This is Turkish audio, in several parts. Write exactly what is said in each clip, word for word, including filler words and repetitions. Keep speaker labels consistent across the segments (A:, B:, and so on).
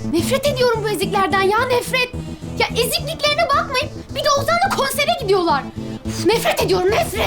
A: Nefret ediyorum bu eziklerden ya, nefret. Ya ezikliklerine bakmayın. Bir de Ozan'la konsere gidiyorlar. Uf, nefret ediyorum, nefret.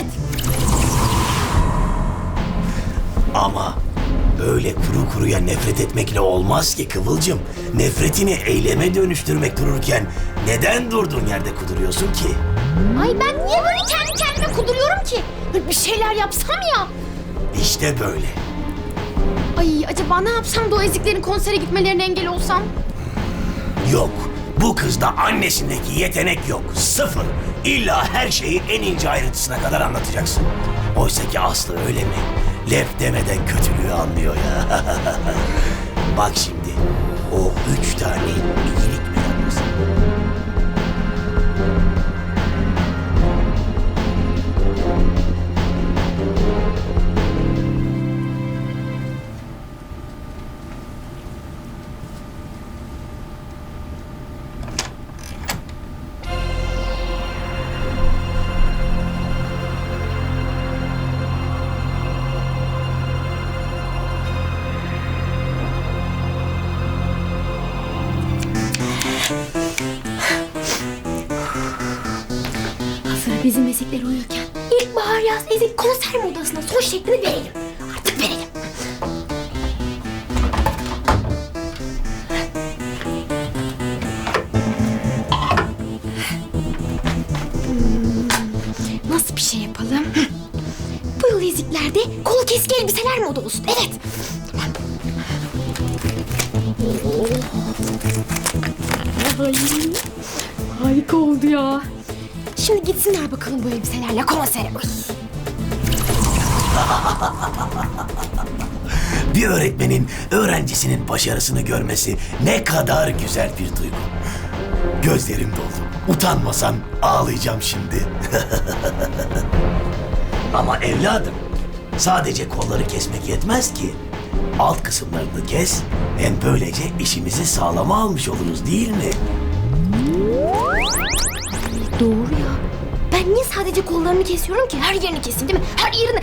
B: Ama öyle kuru kuruya nefret etmekle olmaz ki Kıvılcım. Nefretini eyleme dönüştürmek dururken neden durduğun yerde kuduruyorsun ki?
A: Ay ben niye böyle kendi kendime kuduruyorum ki? Bir şeyler yapsam ya.
B: İşte böyle.
A: Ay acaba ne yapsam da o eziklerin konsere gitmelerine engel olsam?
B: Yok. Bu kızda annesindeki yetenek yok. Sıfır. İlla her şeyi en ince ayrıntısına kadar anlatacaksın. Oysa ki Aslı öyle mi? Lef demeden kötülüğü anlıyor ya. Bak şimdi. O üç tane iyilik meraklısı.
A: Hazır bizim ezikler uyurken ilkbahar yaz ezik konser modasına son şeklini verelim. Artık verelim. Hmm, nasıl bir şey yapalım? Bu yıl eziklerde kol keski elbiseler moda olsun. Evet. Tamam. Ay, harika oldu ya. Şimdi gitsinler bakalım bu elbiselerle konsere. Ay.
B: Bir öğretmenin öğrencisinin başarısını görmesi ne kadar güzel bir duygu. Gözlerim doldu. Utanmasam ağlayacağım şimdi. Ama evladım, sadece kolları kesmek yetmez ki. Alt kısımlarını kes, hem böylece işimizi sağlama almış oluruz değil mi?
A: Doğru ya. Ben niye sadece kollarını kesiyorum ki? Her yerini keseyim değil mi? Her yerini...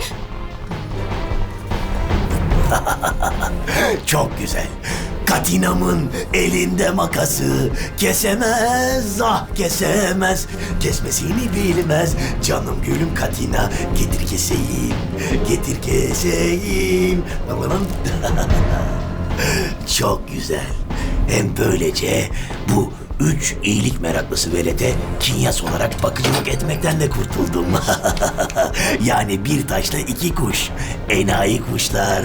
B: Çok güzel. Katinamın elinde makası, kesemez, ah kesemez, kesmesini bilmez. Canım gülüm Katina, getir keseyim, getir keseyim. Çok güzel. Hem böylece bu üç iyilik meraklısı velete kinyas olarak bakıcılık etmekten de kurtuldum. Yani bir taşla iki kuş. Enayi kuşlar.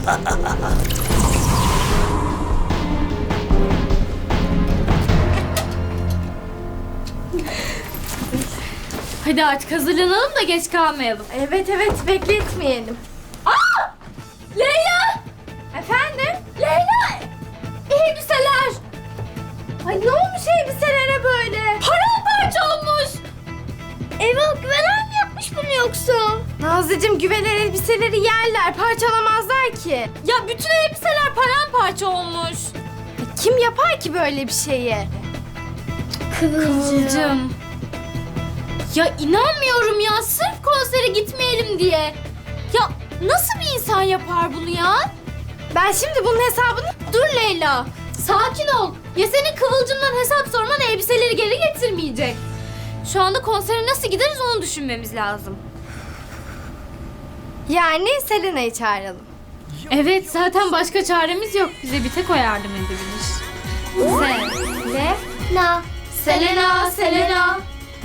C: Hadi artık hazırlanalım da geç kalmayalım.
A: Evet evet bekletmeyelim.
C: Aa! Leyla! Efendim? Leyla! Elbiseler! Ay ne olmuş elbiselere böyle? Paramparça olmuş!
A: Eyvah güvenen mi yapmış bunu yoksa?
C: Nazlıcığım güveler elbiseleri yerler, parçalamazlar ki. Ya bütün elbiseler paramparça olmuş. Kim yapar ki böyle bir şeyi? Kıvılcım. Ya inanmıyorum ya, sırf konsere gitmeyelim diye. Ya nasıl bir insan yapar bunu ya? Ben şimdi bunun hesabını... Dur Leyla, sakin ol. Ya senin Kıvılcım'dan hesap sorman elbiseleri geri getirmeyecek. Şu anda konsere nasıl gideriz onu düşünmemiz lazım.
A: Yani Selena'yı çağıralım.
C: Evet, zaten başka çaremiz yok. Bize bir tek o yardım edebilir.
A: Selena.
C: Selena, Selena.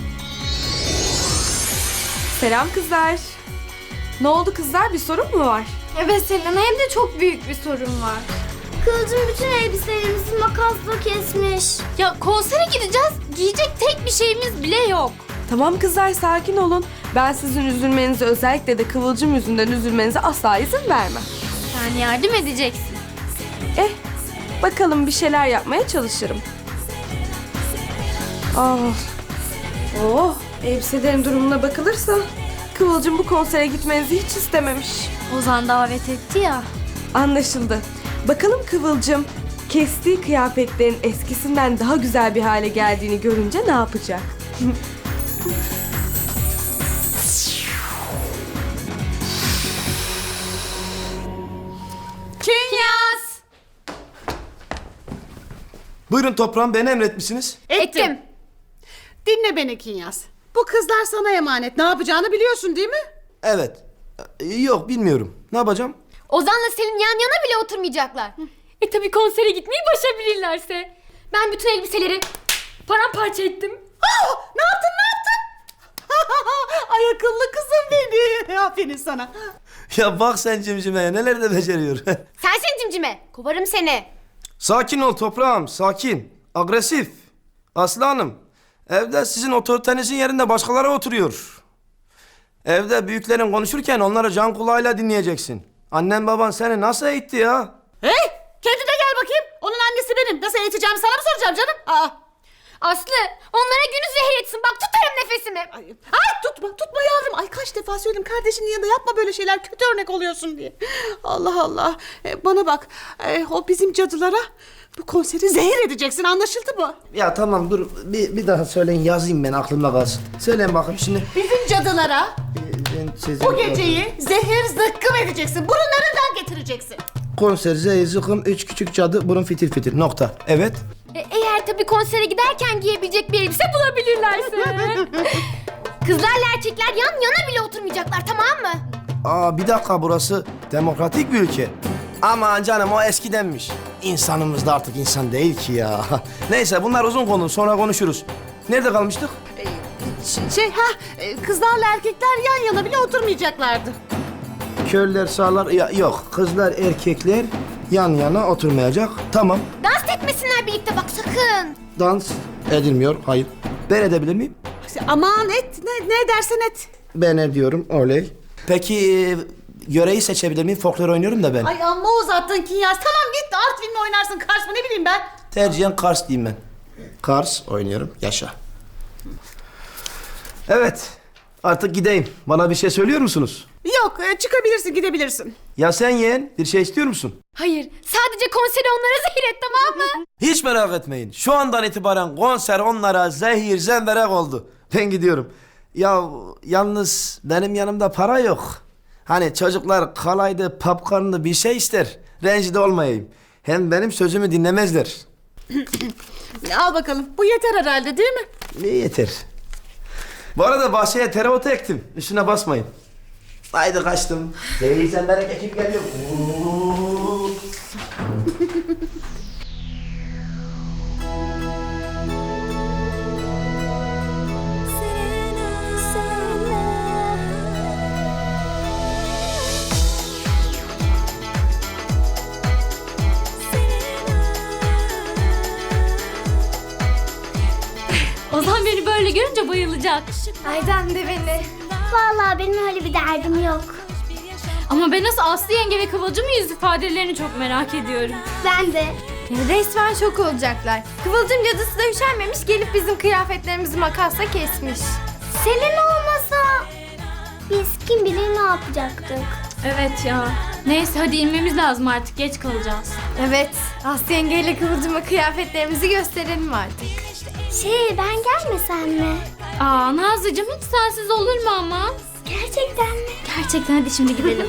D: Selam kızlar. Ne oldu kızlar? Bir sorun mu var?
C: Evet Selena, hem de çok büyük bir sorun var.
A: Kılıcım bütün elbiselerimizi makasla kesmiş.
C: Ya konsere gideceğiz, giyecek tek bir şeyimiz bile yok.
D: Tamam kızlar sakin olun. Ben sizin üzülmenize, özellikle de Kıvılcım yüzünden üzülmenize asla izin vermem.
C: Sen yardım edeceksin.
D: Eh, bakalım bir şeyler yapmaya çalışırım. Ah. Oh, elbiselerin durumuna bakılırsa Kıvılcım bu konsere gitmenizi hiç istememiş.
C: Ozan davet etti ya.
D: Anlaşıldı. Bakalım Kıvılcım kestiği kıyafetlerin eskisinden daha güzel bir hale geldiğini görünce ne yapacak?
C: Künyas!
E: Buyurun toprağım, beni emretmişsiniz.
C: Ettim.
F: Dinle beni Kinyas. Bu kızlar sana emanet. Ne yapacağını biliyorsun değil mi?
E: Evet. Ee, Yok, bilmiyorum. Ne yapacağım?
C: Ozan'la Selin yan yana bile oturmayacaklar. E tabi konsere gitmeyi başarabilirlerse. Ben bütün elbiseleri paramparça ettim.
F: Aa, ne yaptın ne yaptın? Ay akıllı kızım benim. Aferin sana.
E: Ya bak sen cimcimeye, neler de beceriyor.
C: Sensin cimcime. Kovarım seni.
E: Sakin ol toprağım, sakin. Agresif. Aslı Hanım, evde sizin otoritenizin yerinde başkaları oturuyor. Evde büyüklerin konuşurken onları can kulağıyla dinleyeceksin. Annen baban seni nasıl eğitti ya?
F: Hey, kendine gel bakayım. Onun annesi benim. Nasıl eğiteceğim sana mı soracağım canım? Aa.
C: Aslı onlara günü zehir etsin. Bak tutarım nefesimi.
F: Ay, ay tutma tutma yavrum. Ay kaç defa söyledim kardeşinin yanında yapma böyle şeyler. Kötü örnek oluyorsun diye. Allah Allah. Ee, bana bak. Ee, o bizim cadılara bu konseri zehir edeceksin. Anlaşıldı mı?
E: Ya tamam dur, bir, bir daha söyleyin, yazayım ben, aklımda kalsın. Söyleyin bakayım şimdi.
F: Bizim cadılara
E: Ben sizin-
F: bu geceyi zehir zıkkım edeceksin. Burunlarından getireceksin.
E: Konser, zehir, zıkkım, üç küçük cadı, burun fitil fitil, nokta. Evet.
C: E, eğer tabii konsere giderken giyebilecek bir elbise bulabilirlerse. Kızlarla erkekler yan yana bile oturmayacaklar, tamam mı?
E: Aa bir dakika, burası demokratik bir ülke. Aman canım, o eskidenmiş. İnsanımız da artık insan değil ki ya. Neyse, bunlar uzun konu, sonra konuşuruz. Nerede kalmıştık?
F: Ş- Şey ha e, kızlarla erkekler yan yana bile oturmayacaklardı.
E: Körler sağlar, ya, yok. Kızlar erkekler yan yana oturmayacak. Tamam.
C: Dans etmesinler birlikte bak sakın.
E: Dans edilmiyor, hayır. Ben edebilir miyim?
F: Aman et ne, ne dersen et.
E: Ben ediyorum, oley. Peki e, yöreyi seçebilir miyim? Folklor oynuyorum da ben.
F: Ay amma uzattın Kinyas. Tamam git Artvin'le oynarsın. Kars mı ne bileyim ben.
E: Tercihen Kars diyeyim ben. Kars oynuyorum, yaşa. Evet, artık gideyim. Bana bir şey söylüyor musunuz?
F: Yok e, çıkabilirsin gidebilirsin.
E: Ya sen yeğen, bir şey istiyor musun?
C: Hayır sadece konseri onlara zehir et, tamam mı?
E: Hiç merak etmeyin. Şu andan itibaren konser onlara zehir zemberek oldu. Ben gidiyorum. Ya yalnız benim yanımda para yok. Hani çocuklar kalaydı, popcornlu bir şey ister. Rencide olmayayım. Hem benim sözümü dinlemezler.
F: Al bakalım. Bu yeter herhalde değil mi?
E: Ne yeter. Bu arada bahçeye tereotu ektim. Üstüne basmayın. Haydi kaçtım. Zehir zemberek ekip geliyor.
C: Ozan beni böyle görünce bayılacak.
A: Aydan de beni.
G: Vallahi benim öyle bir derdim yok.
C: Ama ben nasıl Aslı yenge ve Kıvılcım'ın yüz ifadelerini çok merak ediyorum.
G: Ben de.
D: Resmen şok olacaklar. Kıvılcım cadısı da üşenmemiş, gelip bizim kıyafetlerimizi makasla kesmiş.
G: Selin olmasa biz kim bilir ne yapacaktık.
C: Evet ya. Neyse hadi inmemiz lazım artık, geç kalacağız.
D: Evet, Aslı yengeyle Kıvılcım'a kıyafetlerimizi gösterelim artık.
G: Şey ben gelmesem mi?
C: Aa Nazlıcığım hiç sensiz olur mu ama?
G: Gerçekten mi?
C: Gerçekten hadi şimdi gidelim.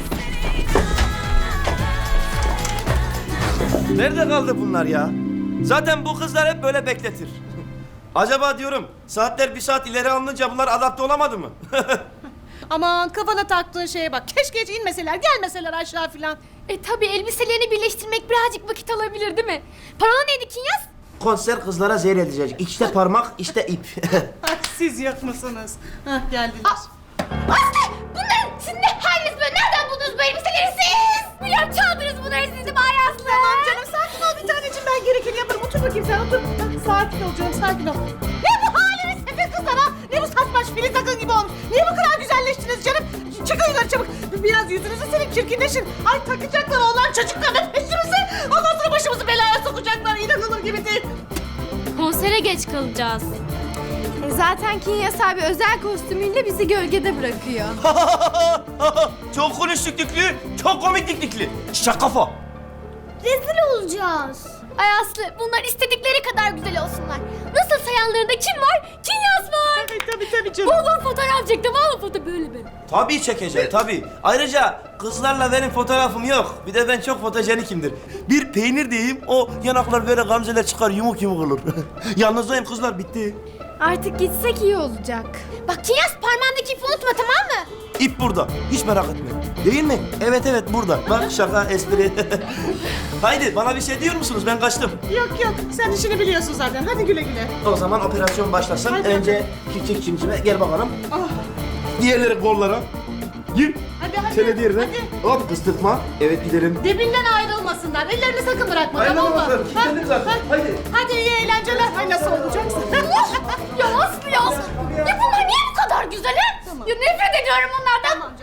E: Nerede kaldı bunlar ya? Zaten bu kızlar hep böyle bekletir. Acaba diyorum, saatler bir saat ileri alınınca bunlar adapte olamadı mı?
F: Aman kafana taktığın şeye bak. Keşke hiç inmeseler gelmeseler aşağı filan.
C: E tabi elbiselerini birleştirmek birazcık vakit alabilir değil mi? Parola neydi Kinyas?
E: Konser kızlara zehir edecek. İçte parmak, işte ip.
F: Ay, siz yok musunuz? Hah geldiler.
C: Aslı! Bunların sizin ne haliniz böyle? Nereden buldunuz bu elbiseleri siz? Biliyorum çaldınız bunları siz de bari Aslı.
F: Tamam canım sakin ol bir taneciğim ben gerekeni yaparım. Otur bakayım sen otur. Hah, sakin ol canım sakin ol. Ne bu haliniz Sefer kızlar ha? Ne bu saçmaş filiz takın gibi olmuş? Niye bu kadar güzelleştiniz canım? Çıkın yukarı çabuk. Biraz yüzünüzü silin çirkinleşin. Ay takacaklar oğlan çocuk kadın peşimize. Ondan sonra başımızı belaya sokacaklar. İnanılır gibi değil.
C: Konsere geç kalacağız.
D: E zaten Kinyas abi özel kostümüyle bizi gölgede bırakıyor.
E: Çok konuştuk Diklü, çok komik Diklikli. Şaka kafa.
G: Rezil olacağız.
C: Ay Aslı bunlar istedikleri kadar güzel olsunlar. Nasıl yanlarında kim var? Kinyas var.
F: Ay tabii tabii canım.
C: Bol bol fotoğraf çektim. Al foto böyle böyle.
E: Tabii çekeceğim, tabii. Ayrıca kızlarla benim fotoğrafım yok. Bir de ben çok fotojenikimdir. Bir peynir diyeyim, o yanaklar böyle gamzeler çıkar, yumuk yumuk olur. Yalnızdayım kızlar, bitti.
C: Artık gitsek iyi olacak.
A: Bak Kinyas parmağındaki ipi unutma tamam mı?
E: İp burada, hiç merak etme. Değil mi? Evet evet burada. Bak şaka, espri. Haydi bana bir şey diyor musunuz? Ben kaçtım.
F: Yok yok sen işini biliyorsun zaten. Hadi güle güle.
E: O zaman operasyon başlasın.
F: Hadi.
E: Önce küçük cimcime gel bakalım.
F: Ah,
E: Diğerleri kollara. Gir.
F: hadi hadi.
E: Şöyle diğerine.
F: Hadi.
E: Hop kıstırtma. Evet gidelim.
F: Dibinden ayrılmasınlar. Ellerini sakın bırakma
E: Aynen
F: tamam mı?
E: bakalım. Kilitledim zaten.
F: ha.
E: Haydi.
F: Hadi iyi eğlenceler. Ay nasıl olacaksın?
C: Ya Aslı ya. Ya bunlar niye bu kadar güzel he? Ya nefret ediyorum onlardan.